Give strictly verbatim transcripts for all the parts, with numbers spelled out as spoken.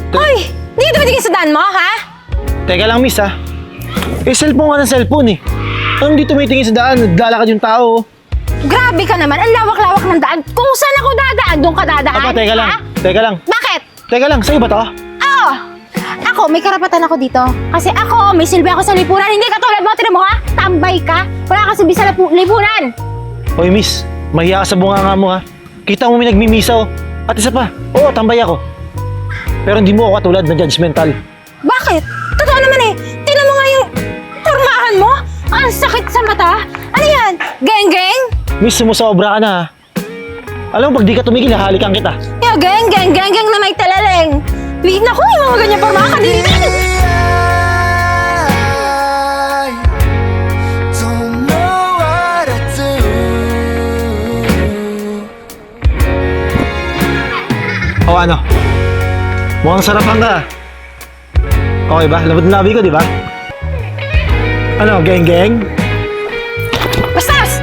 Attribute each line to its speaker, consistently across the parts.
Speaker 1: Hoy! Di ka tumitingin sa daan mo, ha?
Speaker 2: Teka lang, miss, ha? Eh, cellphone nga ng cellphone, eh. Anong di tumitingin sa daan? Naglalakad yung tao.
Speaker 1: Grabe ka naman. Ang lawak-lawak ng daan. Kung saan ako dadaan, doon ka dadaan.
Speaker 2: Apa, teka lang.
Speaker 1: ha?
Speaker 2: Teka lang.
Speaker 1: Bakit?
Speaker 2: Teka lang, sa'yo ba to?
Speaker 1: Oo! Ako, may karapatan ako dito. Kasi ako, may silbi ako sa lipunan. Hindi katulad mo, tinan mo ha? Tambay ka. Wala ka silbi sa lipu- lipunan.
Speaker 2: Hoy, miss. Mahiya ka sa bunganga mo, ha? Kita mo may nagmimisa, oh. At isa pa, oo, tambay ako. Pero hindi mo ako katulad na judgmental.
Speaker 1: Bakit? Totoo naman eh. Tinan mo nga yung pormahan mo. Ang sakit sa mata. Ano yan? Geng-geng?
Speaker 2: Miss, sumusobra ka na, ha? Alam mo, pag di ka tumigil, hahalikan kita.
Speaker 1: Yo, geng-geng, geng-geng na may talaleng. Wait, naku, yung mga ganyan pormahan ka din.
Speaker 3: I don't know what to do.
Speaker 2: O ano? Mukhang sarapan ka. Okay ba? Labot na labi ko, di ba? Ano, geng-geng?
Speaker 1: Bastos!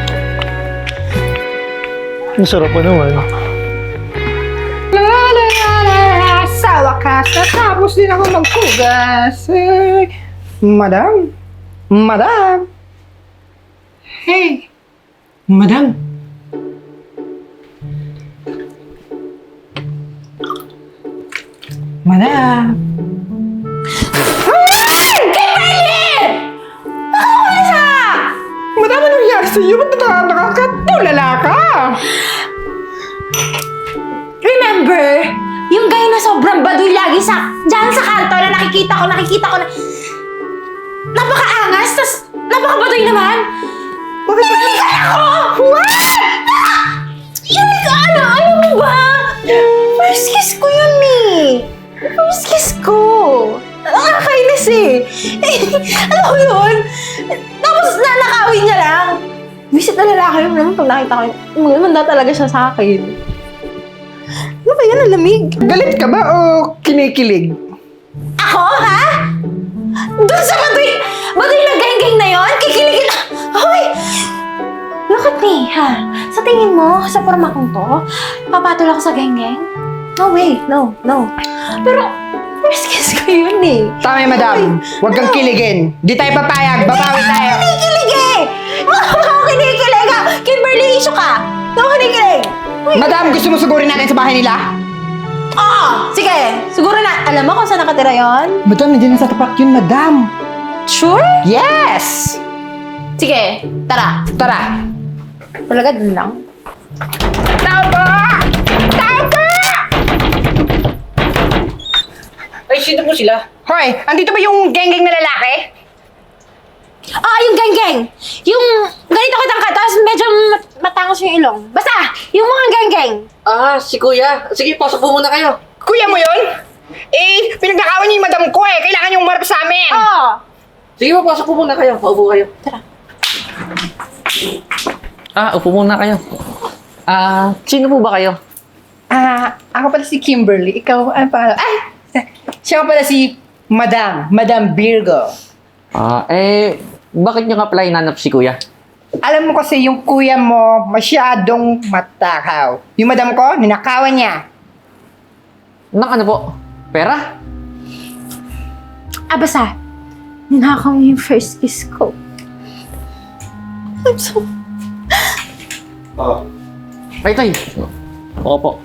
Speaker 2: Ang sarap pa naman.
Speaker 4: La la la la la, sa wakas, natapos din ako magkugas. Eh, madam? Madam? Hey! Madam? Madam? Madam, anong nangyari sa'yo? Ba't na nakakatulala ka?
Speaker 1: Remember, yung guy na sobrang baduy lagi sa, dyan sa kanto na nakikita ko, nakikita ko na, napakaangas, tas napakabaduy naman.
Speaker 4: Bakit ba?
Speaker 1: Nalikan ako! What? Yun ka, ano, ano mo ba? First kiss ko yun eh. First kiss ko. Nakakainis eh. Alam mo yun? Tapos nanakawin niya lang. Visit na lalaki yun naman pag nakita ko yun. Umanda talaga siya sa akin. Ano ba yan? Ang lamig.
Speaker 4: Galit ka ba o kinikilig?
Speaker 1: Ako, ha? Doon sa baduy, baduy na geng-geng na yon, kikiligin. Hoy! Look at me, ha? Sa tingin mo, sa forma kong to, papatol ako sa geng-geng? No way, no, no. Pero, first kiss ko yun eh.
Speaker 4: Tama yung madam. Huwag kang kiligin. Di tayo papayag. Babawi tayo.
Speaker 1: Hindi ako kinikilig eh! Wala ako kinikilig ha! Kimberly, issue ka! Hindi ako kinikilig!
Speaker 4: Madam, gusto mo sugurin natin sa bahay nila?
Speaker 1: Oo! Sige, siguro na, alam mo kung saan nakatira yon?
Speaker 4: Madam, hindi na sa tapat yun, madam.
Speaker 1: Sure?
Speaker 4: Yes!
Speaker 1: Sige, tara.
Speaker 4: Tara.
Speaker 1: Talaga dun lang.
Speaker 4: Tao po! Tao po!
Speaker 5: Ay, sino po sila?
Speaker 4: Hoy, andito ba yung geng-geng na lalaki?
Speaker 1: Ah, yung geng-geng! Yung ganito kitang ka, tapos medyo mat- matangos yung ilong. Basta, yung mga geng-geng.
Speaker 5: Ah, si Kuya. Sige, pasok po muna kayo.
Speaker 4: Kuya mo yun? Eh, pinagnakawan niyo yung madam ko eh. Kailangan yung umarap sa amin.
Speaker 1: Oo.
Speaker 5: Sige po, pasok po muna kayo. Paupo kayo.
Speaker 1: Tara.
Speaker 5: Ah, upo muna kayo. Ah, sino po ba kayo?
Speaker 4: Ah, ako pala si Kimberly. Ikaw, ano pa? Ay! Siya pala si Madam. Madam Virgo.
Speaker 5: Ah, eh, bakit nyo nga pala hinanap si Kuya?
Speaker 4: Alam mo kasi yung kuya mo masyadong matakaw. Yung madam ko, ninakawan niya.
Speaker 5: Nang ano po? Pera?
Speaker 1: Ah, basta, ninakaw mo yung first kiss ko. I'm so...
Speaker 2: Oo.
Speaker 5: Ay, tay. Oo po.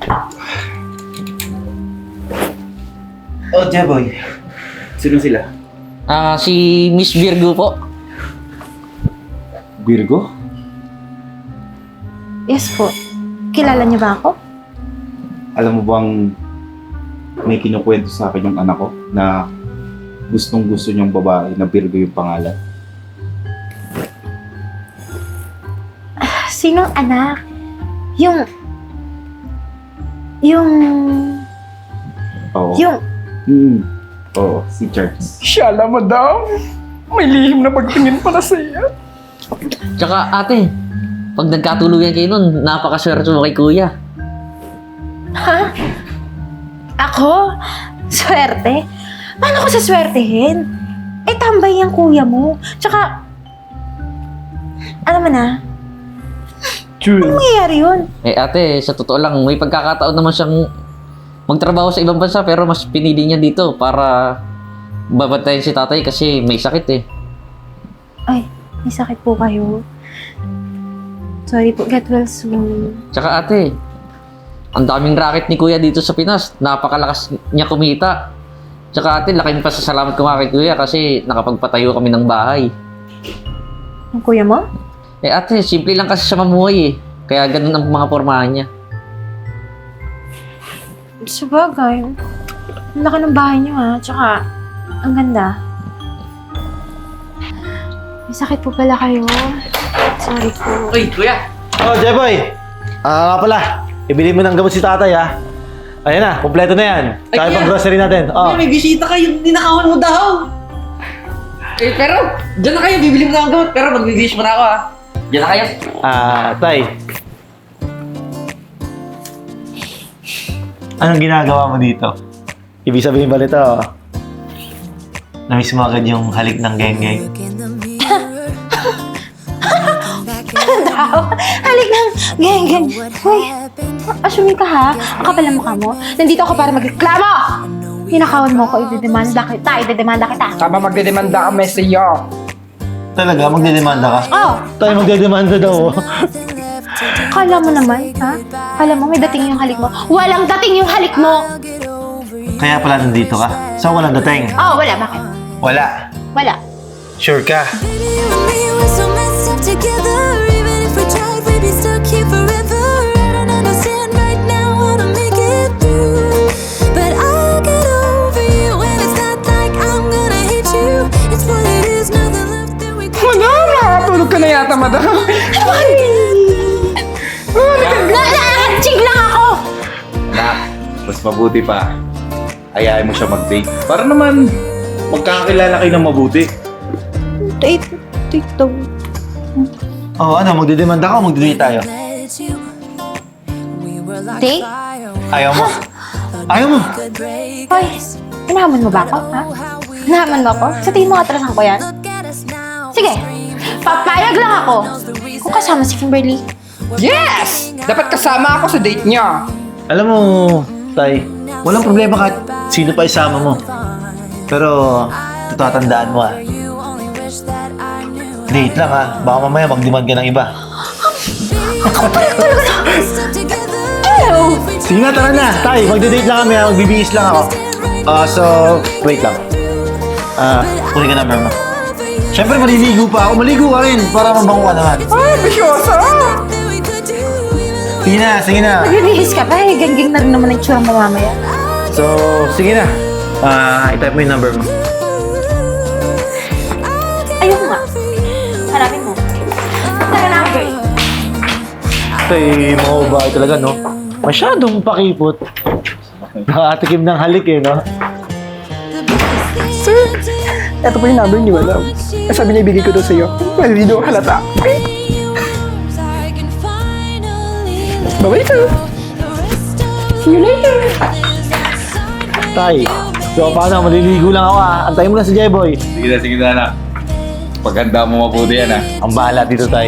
Speaker 6: Oh, Jaboy. Sino sila?
Speaker 5: Ah, si Miss Virgo po.
Speaker 6: Virgo?
Speaker 1: Yes po. Kilala niyo ba ako?
Speaker 6: Alam mo bang may kinukwento sa akin yung anak ko na gustong gusto niyang babae na Virgo yung pangalan?
Speaker 1: Sinong anak? Yung... Yung...
Speaker 6: Oo.
Speaker 1: Yung...
Speaker 6: Hmm. Oo, si Charles.
Speaker 4: Shala, madam. May lihim na pagtingin pala sa iyo.
Speaker 5: Tsaka ate, pag nagkatuluyan kayo nun, napakaswerte mo kay Kuya.
Speaker 1: Ha? Ako? Swerte? Paano ko saswertehin? Eh, tambay yung kuya mo. Tsaka... Alam mo na,
Speaker 6: True.
Speaker 1: anong mangyayari yun?
Speaker 5: Eh ate, sa totoo lang, may pagkakataon naman siyang magtrabaho sa ibang bansa pero mas pinili niya dito para babantayan si tatay kasi may sakit eh.
Speaker 1: Ay, may sakit po kayo. Sorry po, get well soon.
Speaker 5: Tsaka ate, ang daming racket ni kuya dito sa Pinas. Napakalakas niya kumita. Tsaka ate, laking pasasalamat ko nga kay kuya kasi nakapagpatayo kami ng bahay.
Speaker 1: Ang kuya mo?
Speaker 5: Eh ate, simple lang kasi siya mamuhay eh. Kaya ganun ang mga pormahan niya.
Speaker 1: Sabagay. Ang laki ng bahay niyo ha. Tsaka, ang ganda. May sakit po pala kayo. Sorry po.
Speaker 5: Uy, kuya!
Speaker 2: Oh, Jeboy! Ah, nga pala. Ibili mo ng gamot si tatay, ha? Ayan na, kompleto na yan. Tsaka
Speaker 5: Ay,
Speaker 2: pang
Speaker 5: kuya.
Speaker 2: grocery natin. Oh.
Speaker 5: May bisita kayo, ninakawan mo daw! Eh, pero, dyan na kayo, bibili mo na ang gamot. Pero magbibihis mo na ako, ha? Dyan na kayo.
Speaker 2: Ah, tay. Anong ginagawa mo dito? Ibig sabihin ba nito? Namiss mo agad yung halik ng geng-geng.
Speaker 1: Daw. Halik ng geng, geng. Uy, assuming ka ha. Ang kapal ng mukha mo. Nandito ako para magreklamo. Ninakawan mo ko, idedemanda kita, idedemanda kita.
Speaker 4: Tama, magdedemanda kami sa iyo.
Speaker 2: Talaga? Magdedemanda ka?
Speaker 1: Oh,
Speaker 2: Tay, magdedemanda daw. oh.
Speaker 1: kala mo naman, ha? Kala mo may dating yung halik mo. Walang dating yung halik mo.
Speaker 2: Kaya pala nandito ka? Saan walang dating?
Speaker 1: Oh, wala. Bakit?
Speaker 2: Wala.
Speaker 1: Wala.
Speaker 2: Sure ka?
Speaker 7: Baby, you and me, we're so messed up together. Even if we tried, we'd be stuck here forever. I don't understand right now how to make it through, but I'll get over you. And it's not like I'm gonna hate you. It's what it is, nothing left that we can
Speaker 4: Madam, nakakatulog ka na yata, madam.
Speaker 1: Nakakachig lang ako.
Speaker 6: Anak, mas mabuti pa. Ayayin mo siya mag-date. Para naman magkakakilala kayo ng mabuti.
Speaker 1: Date, date daw.
Speaker 2: Oo, oh, ano? Magdedemanda ka o magdedate tayo?
Speaker 7: let you. We were like
Speaker 1: Date?
Speaker 7: fire,
Speaker 2: Ayaw mo? Ayaw mo?
Speaker 7: could break
Speaker 1: Hoy,
Speaker 7: us.
Speaker 1: hinahamon mo ba ako, ha?
Speaker 7: How we
Speaker 1: Hinahamon mo ako? Sa tingin mo atrasan ko yan?
Speaker 7: look at us now.
Speaker 1: Sige, papayag lang ako. Kung kasama si Kimberly.
Speaker 4: Yes! Dapat kasama ako sa date niya.
Speaker 2: Alam mo, Tay, walang problema kahit sino pa isama mo. Pero, tatandaan mo ah.
Speaker 7: You only wish that I knew.
Speaker 2: Date lang ah. Baka mamaya mag-demand ka ng iba.
Speaker 7: Stuck together.
Speaker 1: Hello!
Speaker 2: Sige na, tara na. Tay, magde-date lang kami ah. Magbibihis lang ako. Ah, so, wait lang. Ah, kunin ka number mo. Siyempre, maliligo pa ako. Maligo ka rin para mabango ka naman.
Speaker 4: Ay, bisyosa!
Speaker 2: Sige na, sige na.
Speaker 1: Magbibihis ka pa eh. Gangging na rin naman ang tsura mo mamaya.
Speaker 2: So, sige na. Ah, i-type mo yung number mo.
Speaker 1: Ayun nga. Harapin mo. Tara na, girl.
Speaker 2: Tay, mga babae talaga, no? Masyadong pakipot. Nakatikim ng halik eh, no?
Speaker 4: Sir, eto po yung number niyo, madam. Eh, sabi niya ibigay ko daw sa iyo. Well, hindi daw halata. Bye-bye, sir. See you later.
Speaker 2: Tay, so paano? Maliligo lang ako ah. Antayin mo na si Jeboy.
Speaker 6: Sige na, sige na, anak. Paghanda mo mabuti yan, ah.
Speaker 2: Ang bahala dito, Tay.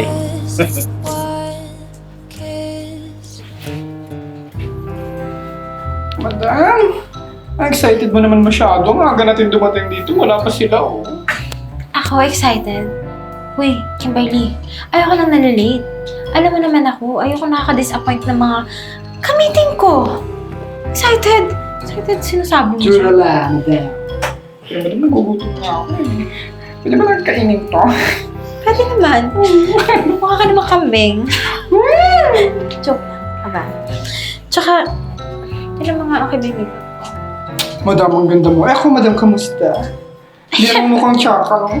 Speaker 4: Madam, excited mo naman masyado. Ang aga natin dumating dito. Wala pa sila, oh.
Speaker 1: Ako excited. Uy, Kimberly, ayoko lang nalilate. Alam mo naman ako, ayoko nakaka-disappoint ng mga kamiting ko. Excited. Excited, sinasabi mo siya.
Speaker 4: lang, madam. Kaya madam, nagugutom na ako eh. Pwede ba lang kainin to?
Speaker 1: Pwede naman. Mukha ka naman kambing. Joke lang. Aba. Tsaka, ilan mga okay, baby.
Speaker 4: Madam, ang ganda mo. Eh, ako, madam, kamusta? Hindi naman mukhang tsaka, no?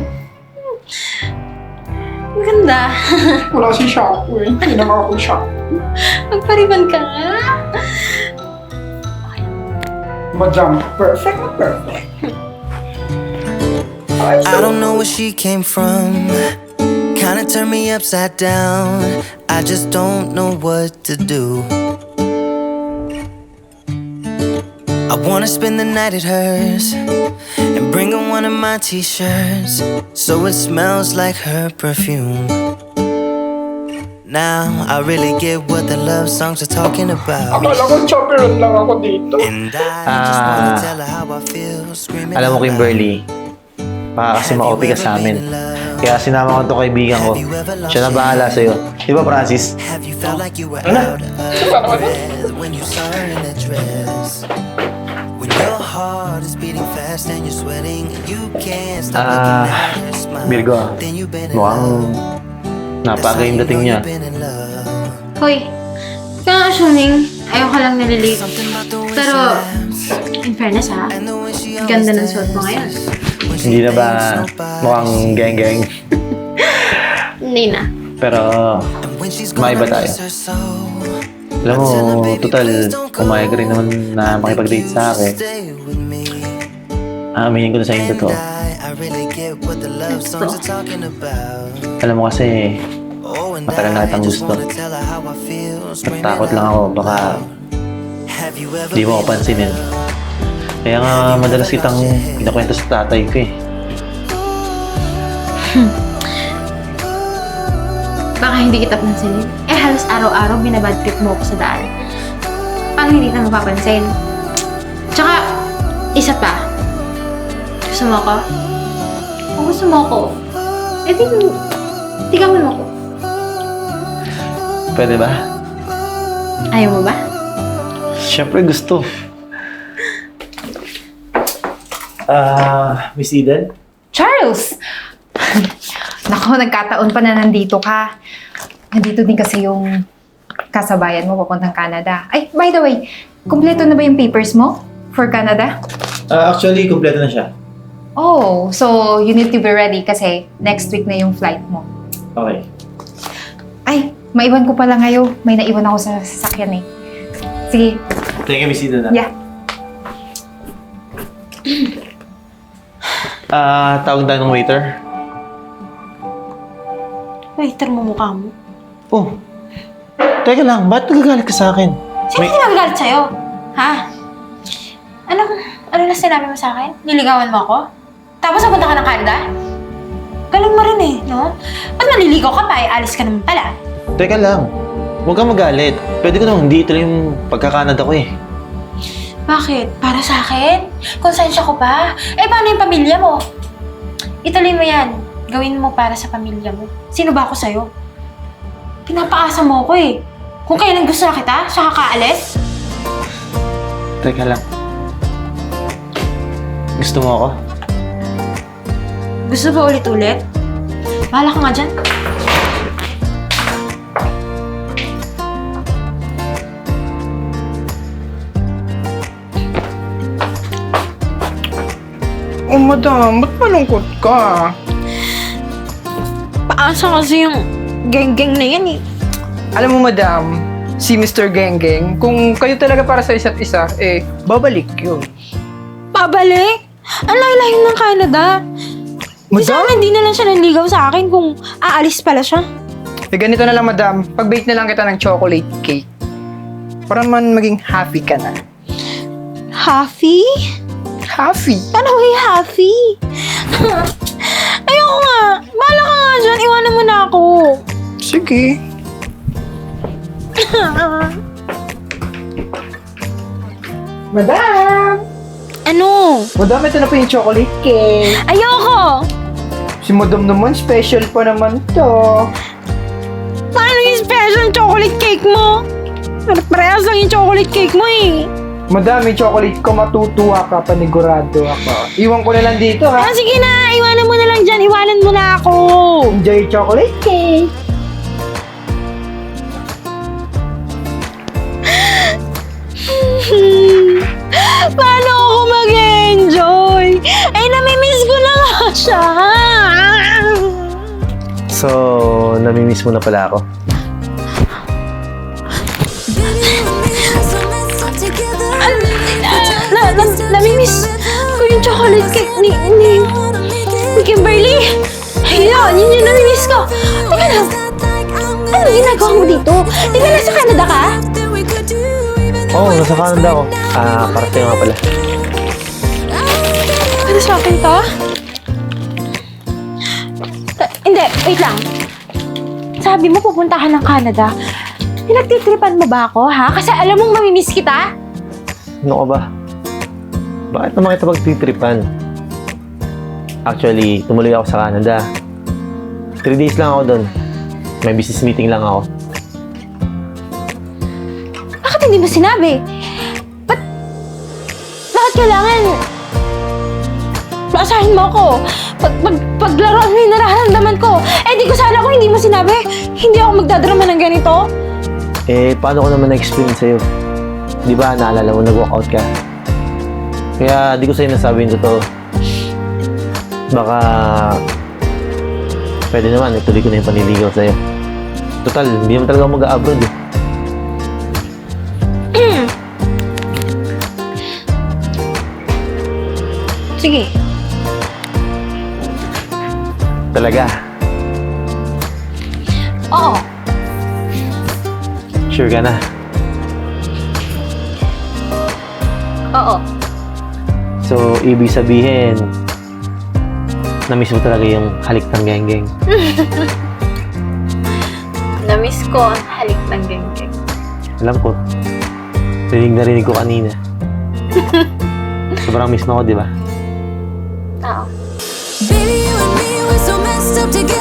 Speaker 1: Ang ganda.
Speaker 4: Wala si shampoo eh. Hindi naman ako shampoo.
Speaker 1: Magpariban ka nga.
Speaker 4: Madam, perfect na perfect.
Speaker 3: I don't know where she came from. Kinda turned me upside down. I just don't know what to do. I wanna spend the night at hers and bring her one of my t-shirts so it smells like her perfume. now. I really get what the love songs are talking about.
Speaker 4: Akala ko chaperone lang ako dito.
Speaker 3: And I just wanna
Speaker 2: Ah,
Speaker 3: tell her how I feel. Screaming
Speaker 2: Alam mo,
Speaker 3: out loud.
Speaker 2: Kimberly, baka kasi ma-O P ka sa amin. Kaya sinama ko itong kaibigan ko. Siya na bahala sa'yo. Di ba, Francis?
Speaker 3: Have you felt like you were out of breath when you saw her in that dress? When your heart is beating fast and you're sweating and you can't stop looking
Speaker 2: Ah,
Speaker 3: at her smile.
Speaker 2: Virgo,
Speaker 3: Then you've been in
Speaker 2: mukhang
Speaker 3: love.
Speaker 2: napaka yung dating niya.
Speaker 3: You've been in love.
Speaker 1: Hoy, kaya assuming ayaw ka lang naliligaw. Pero, in fairness ha,
Speaker 3: And the way she
Speaker 1: ganda ng suot mo ngayon.
Speaker 2: Hindi na ba mukhang geng-geng?
Speaker 1: Hindi na.
Speaker 2: Pero,
Speaker 3: when she's
Speaker 2: maiba
Speaker 3: gonna
Speaker 2: tayo.
Speaker 3: lose her soul.
Speaker 2: Alam mo, total, pumayag ka rin naman na makipag-date sa akin.
Speaker 3: Stay with me.
Speaker 2: Aaminin ko na sa inyo
Speaker 3: And
Speaker 2: to.
Speaker 3: I, I really get what the love songs are talking about.
Speaker 2: Alam mo kasi,
Speaker 3: Oh, and
Speaker 2: matagal na
Speaker 3: I
Speaker 2: kitang
Speaker 3: just
Speaker 2: gusto.
Speaker 3: wanna tell her how I feel. Screaming
Speaker 2: Natakot lang
Speaker 3: out
Speaker 2: ako, baka
Speaker 3: Have you ever
Speaker 2: di mo ako
Speaker 3: been
Speaker 2: pansinin. Kaya nga, madalas kitang pinakwento sa tatay ko eh.
Speaker 1: Baka hindi kita pansinin. Eh, halos araw-araw binabad trip mo ako sa daan. Paano hindi na mapapansin? Tsaka, isa pa. Gusto mo ako? Kung gusto mo ako, eh di, tigawan mo ako.
Speaker 2: Pwede ba?
Speaker 1: Ayaw mo ba?
Speaker 2: Siyempre gusto. Ah, Miss Eden?
Speaker 4: Charles! Nako, nagkataon pa na nandito ka. Nandito din kasi yung kasabayan mo papuntang Canada. Ay, by the way, kumpleto na ba yung papers mo for Canada?
Speaker 2: Ah, actually, kumpleto na siya.
Speaker 4: Oh, so you need to be ready kasi next week na yung flight mo.
Speaker 2: Okay.
Speaker 4: Ay, maiwan ko pala ngayon. May naiwan ako sa sasakyan eh. Sige,
Speaker 2: Thank you, Miss Eden.
Speaker 4: yeah.
Speaker 2: Ah, tawag tayo ng waiter.
Speaker 1: Waiter mo mukha mo.
Speaker 2: Oh, teka lang, ba't nagagalit ka sa akin?
Speaker 1: Sino
Speaker 2: May-
Speaker 1: may... nagagalit sa'yo? Ha? Ano, ano na sinabi mo sa akin? Niligawan mo ako? Tapos napunta ka ng Canada? Galing mo rin eh, no? Ba't maliligaw ka pa? Eh, alis ka naman pala.
Speaker 2: Teka lang, huwag kang magalit. Pwede ko naman hindi ituloy yung pagkakanada ko eh.
Speaker 1: Bakit? Para sa akin? Konsensya ko pa? Eh, paano yung pamilya mo? Ituloy mo yan. Gawin mo para sa pamilya mo. Sino ba ako sa'yo? Pinapaasa mo ako eh. Kung kailan gusto na kita, siya kakaalis?
Speaker 2: Teka lang. Gusto mo ako?
Speaker 1: Gusto ba ulit-ulit? Bahala ka nga dyan.
Speaker 4: Oh, madam, ba't malungkot ka?
Speaker 1: Paasa kasi yung geng-geng na yan eh.
Speaker 4: Alam mo, madam, si Mister Geng-Geng, kung kayo talaga para sa isa't isa, eh, babalik yun.
Speaker 1: Pabalik? Ang layo-layo ng Canada. Di sana hindi na lang siya nanligaw sa akin kung aalis pala siya.
Speaker 4: Eh, ganito na lang, madam. Pag-bake na lang kita ng chocolate cake. Para man maging happy ka na.
Speaker 1: Happy?
Speaker 4: Happy?
Speaker 1: Paano maging happy? Ayoko nga. Bahala ka nga dyan. Iwanan mo na ako.
Speaker 4: Sige. Madam!
Speaker 1: Ano?
Speaker 4: Madam, ito na po yung chocolate cake.
Speaker 1: Ayoko!
Speaker 4: Si madam naman, special pa naman to.
Speaker 1: Paano yung special chocolate cake mo? Parehas lang yung chocolate cake mo eh.
Speaker 4: Madam, yung chocolate ko matutuwa ka, panigurado ako. Iwan ko na lang dito, ha?
Speaker 1: Ah, sige na. Iwanan mo na lang dyan. Iwanan mo na ako.
Speaker 4: Enjoy yung chocolate cake!
Speaker 1: Paano ako mag-enjoy? Eh, namimiss ko na nga siya.
Speaker 2: So, namimiss mo na pala ako.
Speaker 1: Na, na, namimiss ko yung chocolate cake ni, ni, ni Kimberly. Ayun, yun yung namimiss ko. Teka lang, ano ginagawa mo dito? Di ba nasa Canada ka?
Speaker 2: Oo, oh, nasa Canada ako. Ah, para sa'yo nga pala.
Speaker 1: Para sa akin to? Ta- hindi, wait lang. sabi mo pupunta ka ng Canada. Pinagtitripan mo ba ako, ha? Kasi alam mong mamimiss kita.
Speaker 2: Ano ka ba? Bakit naman kita pagtitripan? Actually, tumuloy ako sa Canada. Three days lang ako doon. May business meeting lang ako.
Speaker 1: Bakit hindi mo sinabi? Ba't, bakit kailangan paasahin mo ako? Pag, pag, paglaruan mo yung nararamdaman ko. Eh, di ko sana kung hindi mo sinabi, hindi ako magdadrama ng ganito.
Speaker 2: Eh, paano ko naman na-explain sa'yo? Di ba, naalala mo, nag-walkout ka? Kaya, di ko sa'yo nasabi yung totoo. Baka, pwede naman, ituloy ko na yung paniligaw sa'yo. Total, hindi naman talaga ako mag-abroad eh.
Speaker 1: Sige.
Speaker 2: Talaga?
Speaker 1: Oo.
Speaker 2: Sure ka na?
Speaker 1: Oo.
Speaker 2: So, ibig sabihin, na-miss mo talaga yung halik ng geng-geng.
Speaker 1: Namiss ko ang halik ng geng-geng.
Speaker 2: Alam ko. Rinig na rinig ko kanina. Sobrang miss mo ako, di ba?
Speaker 1: Oo.
Speaker 7: Baby, you and me, we're so messed up together.